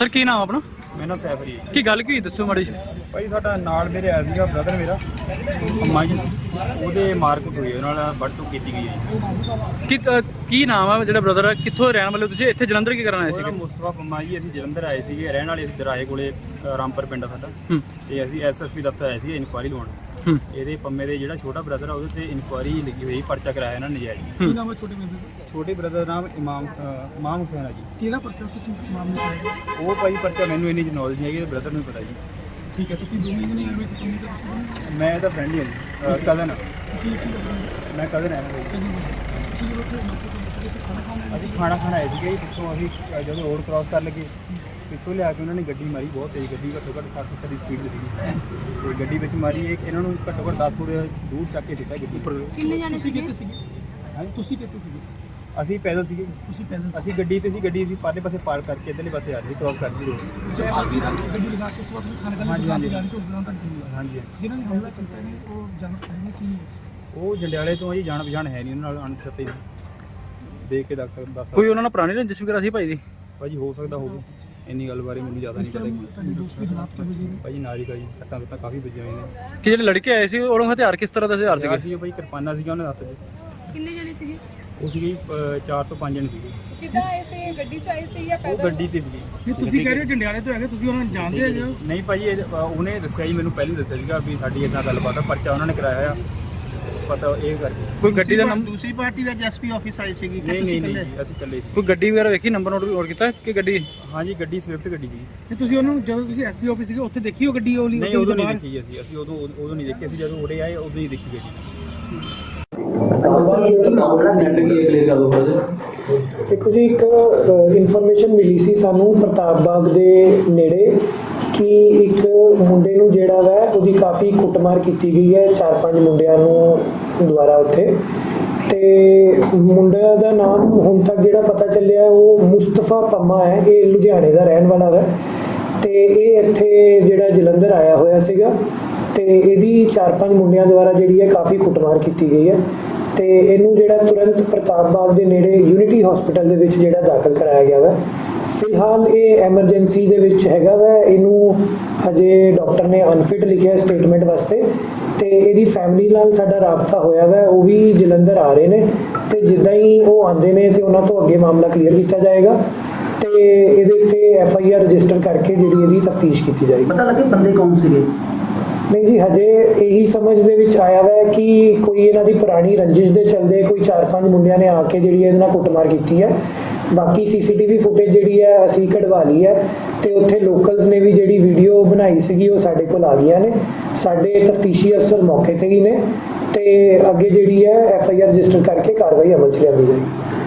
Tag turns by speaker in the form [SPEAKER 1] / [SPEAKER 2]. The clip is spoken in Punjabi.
[SPEAKER 1] ਸਰ ਕੀ ਨਾਮ ਆਪਣਾ?
[SPEAKER 2] ਮੇਰਾ ਨਾਮ ਸੈਫ ਜੀ।
[SPEAKER 1] ਕੀ ਗੱਲ ਕੀ ਦੱਸੋ ਮਾੜੀ ਜੀ।
[SPEAKER 2] ਭਾਈ ਸਾਡਾ ਨਾਲ ਮੇਰੇ ਆਇਆ ਸੀਗਾ ਬ੍ਰਦਰ ਮੇਰਾ ਅੰਮਾ ਜੀ, ਉਹਦੇ ਮਾਰਕੁੱਟ ਹੋਈ, ਉਹਨਾਂ ਨਾਲ ਵੱਢ-ਟੁੱਕ ਕੀਤੀ ਗਈ ਹੈ।
[SPEAKER 1] ਕੀ ਨਾਮ ਆ ਜਿਹੜਾ ਬ੍ਰਦਰ ਆ, ਕਿੱਥੋਂ ਰਹਿਣ ਵਾਲੇ ਤੁਸੀਂ? ਇੱਥੇ ਜਲੰਧਰ ਕੀ ਕਰਨ ਆਏ ਸੀਗੇ?
[SPEAKER 2] ਮੁਸਤਫਾ ਪੰਮਾ ਜੀ। ਅਸੀਂ ਜਲੰਧਰ ਆਏ ਸੀਗੇ, ਰਹਿਣ ਵਾਲੇ ਅਸੀਂ ਦਰਾਹੇ ਕੋਲੇ ਰਾਮਪੁਰ ਪਿੰਡ ਆ ਸਾਡਾ, ਤੇ ਅਸੀਂ ਐਸਐਸਪੀ ਦਫ਼ਤਰ ਆਏ ਸੀਗੇ ਇਨਕੁਆਇਰੀ ਲਵਾਉਣ। ਇਹਦੇ ਪੰਮੇ ਦੇ ਜਿਹੜਾ ਛੋਟਾ ਬ੍ਰਦਰ ਆ ਉਹਦੇ ਤੇ ਇਨਕੁਆਇਰੀ ਲੱਗੀ ਹੋਈ, ਪਰਚਾ ਕਰਾਇਆ ਇਹਨਾਂ ਨੇ ਨਜਾਇਜ਼।
[SPEAKER 1] ਕੀ ਨਾਮ ਹੈ ਛੋਟੇ ਬ੍ਰਦਰ ਦਾ?
[SPEAKER 2] ਛੋਟੇ ਬ੍ਰਦਰ ਦਾ ਨਾਮ ਇਮਾਮ ਹੁਸੈਨ ਆ ਜੀ।
[SPEAKER 1] ਕਿਹੜਾ ਪਰਚਾ ਕਿਸ ਮਾਮਲੇ 'ਚ?
[SPEAKER 2] ਉਹ ਭਾਈ ਪਰਚਾ ਮੈਨੂੰ ਇੰਨੀ ਨੌਲੇਜ ਨਹੀਂ ਹੈਗੀ, ਬ੍ਰਦਰ ਨੂੰ ਪਤਾ ਜੀ।
[SPEAKER 1] ਠੀਕ ਹੈ, ਤੁਸੀਂ ਦੋਵੇਂ ਜਣੇ ਆਏ ਹੋਏ ਸੀ ਕੰਮ ਤੇ? ਤੁਸੀਂ
[SPEAKER 2] ਮੈਂ ਇਹਦਾ ਫਰੈਂਡ ਹੀ ਹਾਂ ਜੀ, ਕਜ਼ਨ।
[SPEAKER 1] ਤੁਸੀਂ ਕੀ ਕਰਦੇ?
[SPEAKER 2] ਮੈਂ ਕਜ਼ਨ ਹਾਂ। ਅਸੀਂ ਖਾਣਾ ਖਾਣ ਆਏ ਸੀਗੇ, ਪਿੱਛੋਂ ਅਸੀਂ ਜਦੋਂ ਰੋਡ ਕ੍ਰਾਸ ਕਰਨ ਲੱਗੇ, ਪਿੱਛੋਂ ਲਿਆ ਕੇ ਉਹਨਾਂ ਨੇ ਗੱਡੀ ਮਾਰੀ, ਬਹੁਤ ਤੇਜ਼ ਗੱਡੀ, ਘੱਟੋ ਘੱਟ 60-70 ਦੀ ਸਪੀਡ ਸੀਗੀ, ਤੇ ਗੱਡੀ ਵਿੱਚ ਮਾਰੀ। ਇਹਨਾਂ ਨੂੰ ਘੱਟੋ ਘੱਟ 10 ਫੁੱਟ ਦੂਰ ਚੱਕ ਕੇ ਦਿੱਤਾ ਗੱਡੀ ਉੱਪਰ।
[SPEAKER 3] ਕਿੰਨੇ ਜਾਣੇ ਸੀਗੇ?
[SPEAKER 2] ਹਾਂ
[SPEAKER 1] ਤੁਸੀਂ ਕਿੱਥੇ ਸੀਗੇ?
[SPEAKER 2] ਅਸੀਂ ਪੈਦਲ ਸੀਗੇ।
[SPEAKER 1] ਤੁਸੀਂ ਪੈਦਲ?
[SPEAKER 2] ਅਸੀਂ ਗੱਡੀ ਤੇ ਸੀ, ਗੱਡੀ ਅਸੀਂ ਪਾਰਲੇ ਪਾਸੇ ਪਾਰਕ ਕਰਕੇ ਇੱਧਰਲੇ ਪਾਸੇ ਆ ਰਹੀ ਕ੍ਰਾਸ ਕਰਦੀ ਰੋਡ।
[SPEAKER 1] ਗੱਡੀ ਲਗਾ ਕੇ ਉਸ ਵਕਤ ਖਾਣੇ
[SPEAKER 2] ਹਾਂਜੀ
[SPEAKER 1] ਹਾਂਜੀ
[SPEAKER 2] ਹਾਂਜੀ।
[SPEAKER 1] ਜਿਹਨਾਂ ਨੇ ਹਮਲਾ ਕੀਤਾ ਨੇ ਉਹ ਜਾਣ ਪਛਾਣ ਕੀ?
[SPEAKER 2] ਉਹ ਜੰਡਿਆਲੇ ਤੋਂ ਆ ਜੀ, ਜਾਣ ਪਛਾਣ ਹੈ ਨਹੀਂ ਉਹਨਾਂ ਨਾਲ, ਅਣਪਛਾਤੇ ਦੇਖ ਕੇ ਦੱਸ
[SPEAKER 1] ਕੋਈ ਉਹਨਾਂ ਨਾਲ ਪੁਰਾਣੀ ਰੰਜਿਸ਼ ਵਗੈਰਾ ਸੀ ਭਾਈ ਦੀ?
[SPEAKER 2] ਭਾਜੀ ਹੋ ਸਕਦਾ ਹੋਵੇ, ਇੰਨੀ ਗੱਲ ਬਾਰੇ ਮੈਨੂੰ ਜ਼ਿਆਦਾ ਨਹੀਂ ਪਤਾ ਭਾਜੀ। ਨਾਜ਼ਿਕ ਆ ਜੀ, ਸੱਟਾਂ ਕਾਫੀ ਵੱਜੀਆਂ ਹੋਈਆਂ ਨੇ।
[SPEAKER 1] ਕਿ ਜਿਹੜੇ ਲੜਕੇ ਆਏ ਸੀ ਉਹਨਾਂ ਹਥਿਆਰ ਕਿਸ ਤਰ੍ਹਾਂ ਦਾ ਹਥਿਆਰ ਸੀਗੇ?
[SPEAKER 2] ਸੀ ਭਾਈ ਕਿਰਪਾਨਾਂ ਸੀਗੀਆਂ ਉਹਨਾਂ ਦੇ ਹੱਥ 'ਚ।
[SPEAKER 3] ਕਿੰਨੇ ਜਾਣੇ ਸੀਗੇ?
[SPEAKER 2] ਉਹ ਸੀਗੇ 4 ਤੋਂ 5 ਜਣੇ ਸੀਗੇ।
[SPEAKER 4] ਕਿੱਦਾਂ ਆਏ ਸੀ? ਗੱਡੀ 'ਚ ਆਏ ਸੀ ਜਾਂ
[SPEAKER 2] ਉਹ
[SPEAKER 4] ਪੈਦਲ?
[SPEAKER 2] ਗੱਡੀ ਤੇ ਸੀਗੀ।
[SPEAKER 1] ਤੁਸੀਂ ਕਹਿ ਰਹੇ ਹੋ ਜੰਡਿਆਲੇ ਤੋਂ ਹੈਗੇ, ਤੁਸੀਂ ਉਹਨਾਂ ਨੂੰ ਜਾਣਦੇ ਹੋ?
[SPEAKER 2] ਨਹੀਂ ਭਾਜੀ, ਉਹਨੇ ਦੱਸਿਆ ਜੀ, ਮੈਨੂੰ ਪਹਿਲਾਂ ਦੱਸਿਆ ਸੀਗਾ ਵੀ ਸਾਡੀ ਇਦਾਂ ਗੱਲਬਾਤ ਆ, ਪਰਚਾ ਉਹਨਾਂ ਨੇ ਕਰਾਇਆ ਆ, ਪਤਾ ਇਹ ਕਰਕੇ।
[SPEAKER 1] ਕੋਈ ਗੱਡੀ ਦਾ ਨੰਬਰ?
[SPEAKER 5] ਦੂਸਰੀ ਪਾਰਟੀ ਦਾ ਐਸਪੀ ਆਫਿਸ ਆਈ ਸੀਗੀ ਕਿ
[SPEAKER 2] ਨਹੀਂ
[SPEAKER 5] ਤੁਸੀਂ
[SPEAKER 2] ਨਹੀਂ
[SPEAKER 5] ਇਕੱਲੇ?
[SPEAKER 2] ਅਸੀਂ ਇਕੱਲੇ ਸੀ।
[SPEAKER 1] ਕੋਈ ਗੱਡੀ ਵਗੈਰਾ ਵੇਖੀ, ਨੰਬਰ ਨੋਟ ਕੀਤਾ ਕਿ ਗੱਡੀ?
[SPEAKER 2] ਹਾਂਜੀ ਗੱਡੀ ਸਵਿਫਟ ਗੱਡੀ ਸੀ।
[SPEAKER 1] ਤੇ ਤੁਸੀਂ ਉਹਨੂੰ ਜਦੋਂ ਤੁਸੀਂ ਐਸਪੀ ਆਫਿਸ ਸੀਗੇ ਉੱਥੇ ਦੇਖੀ ਉਹ ਗੱਡੀ?
[SPEAKER 2] ਨਹੀਂ ਉਦੋਂ ਨਹੀਂ ਦੇਖੀ ਅਸੀਂ ਉਦੋਂ ਨਹੀਂ ਦੇਖੀ। ਅਸੀਂ ਜਦੋਂ ਉਰੇ ਆਏ ਉਦੋਂ ਹੀ ਦੇਖੀ ਗੱਡੀ।
[SPEAKER 6] ਦੇਖੋ ਜੀ, ਇੱਕ ਇਨਫੋਰਮੇਸ਼ਨ ਮਿਲੀ ਸੀ ਸਾਨੂੰ ਪ੍ਰਤਾਪ ਬਾਗ ਦੇ ਨੇੜੇ ਕਿ ਇੱਕ ਮੁੰਡੇ ਨੂੰ ਜਿਹੜਾ ਵਾ ਉਹਦੀ ਕਾਫੀ ਕੁੱਟਮਾਰ ਕੀਤੀ ਗਈ ਹੈ 4-5 ਮੁੰਡਿਆਂ ਨੂੰ ਦੁਆਰਾ ਉੱਥੇ। ਤੇ ਮੁੰਡਿਆਂ ਦਾ ਨਾਮ ਹੁਣ ਤੱਕ ਜਿਹੜਾ ਪਤਾ ਚੱਲਿਆ ਉਹ ਮੁਸਤਫਾ ਪੰਮਾ ਹੈ, ਇਹ ਲੁਧਿਆਣੇ ਦਾ ਰਹਿਣ ਵਾਲਾ ਹੈ, ਤੇ ਇਹ ਇੱਥੇ ਜਿਹੜਾ ਜਲੰਧਰ ਆਇਆ ਹੋਇਆ ਸੀਗਾ, ਤੇ ਇਹਦੀ 4-5 ਮੁੰਡਿਆਂ ਦੁਆਰਾ ਜਿਹੜੀ ਹੈ ਕਾਫੀ ਕੁੱਟਮਾਰ ਕੀਤੀ ਗਈ ਹੈ, ਤੇ ਇਹਨੂੰ ਜਿਹੜਾ ਤੁਰੰਤ ਪ੍ਰਤਾਪ ਬਾਗ ਦੇ ਨੇੜੇ ਯੂਨਿਟੀ ਹਸਪੀਟਲ ਦੇ ਵਿੱਚ ਜਿਹੜਾ ਦਾਖਲ ਕਰਾਇਆ ਗਿਆ ਵਾ। ਫਿਲਹਾਲ ਇਹ ਐਮਰਜੈਂਸੀ ਦੇ ਵਿੱਚ ਹੈਗਾ ਵਾ, ਇਹਨੂੰ ਹਜੇ ਡਾਕਟਰ ਨੇ ਅਨਫਿਟ ਲਿਖਿਆ ਸਟੇਟਮੈਂਟ ਵਾਸਤੇ, ਤੇ ਇਹਦੀ ਫੈਮਿਲੀ ਨਾਲ ਸਾਡਾ ਰਾਬਤਾ ਹੋਇਆ ਵਾ, ਉਹ ਵੀ ਜਲੰਧਰ ਆ ਰਹੇ ਨੇ, ਤੇ ਜਿੱਦਾਂ ਹੀ ਉਹ ਆਉਂਦੇ ਨੇ ਤੇ ਉਹਨਾਂ ਤੋਂ ਅੱਗੇ ਮਾਮਲਾ ਕਲੀਅਰ ਕੀਤਾ ਜਾਏਗਾ, ਤੇ ਇਹਦੇ ਉੱਤੇ FIR ਰਜਿਸਟਰ ਕਰਕੇ ਜਿਹੜੀ ਇਹਦੀ ਤਫਤੀਸ਼ ਕੀਤੀ ਜਾਏਗੀ।
[SPEAKER 5] ਪਤਾ ਲੱਗੇ ਬੰਦੇ ਕੌਣ ਸੀਗੇ?
[SPEAKER 6] ਨਹੀਂ ਜੀ, ਹਜੇ ਇਹੀ ਸਮਝ ਦੇ ਵਿੱਚ ਆਇਆ ਵਾ ਕਿ ਕੋਈ ਇਹਨਾਂ ਦੀ ਪੁਰਾਣੀ ਰੰਜਿਸ਼ ਦੇ ਚੱਲਦੇ ਕੋਈ 4-5 ਮੁੰਡਿਆਂ ਨੇ ਆ ਕੇ ਜਿਹੜੀ ਇਹਦੇ ਨਾਲ ਕੁੱਟਮਾਰ ਕੀਤੀ ਹੈ। ਬਾਕੀ CCTV ਫੁਟੇਜ ਜਿਹੜੀ ਹੈ ਅਸੀਂ ਕਢਵਾ ਲਈ ਹੈ, ਤੇ ਉੱਥੇ ਲੋਕਲਸ ਨੇ ਵੀ ਜਿਹੜੀ ਵੀਡੀਓ ਬਣਾਈ ਸੀਗੀ ਉਹ ਸਾਡੇ ਕੋਲ ਆ ਗਈਆਂ ਨੇ। ਸਾਡੇ ਤਫਤੀਸ਼ੀ ਅਫਸਰ ਮੌਕੇ ਤੇ ਹੀ ਨੇ, ਤੇ ਅੱਗੇ ਜਿਹੜੀ ਹੈ FIR ਰਜਿਸਟਰ ਕਰਕੇ ਕਾਰਵਾਈ ਅਮਲ 'ਚ ਲਿਆਂਦੀ ਜਾਏਗੀ।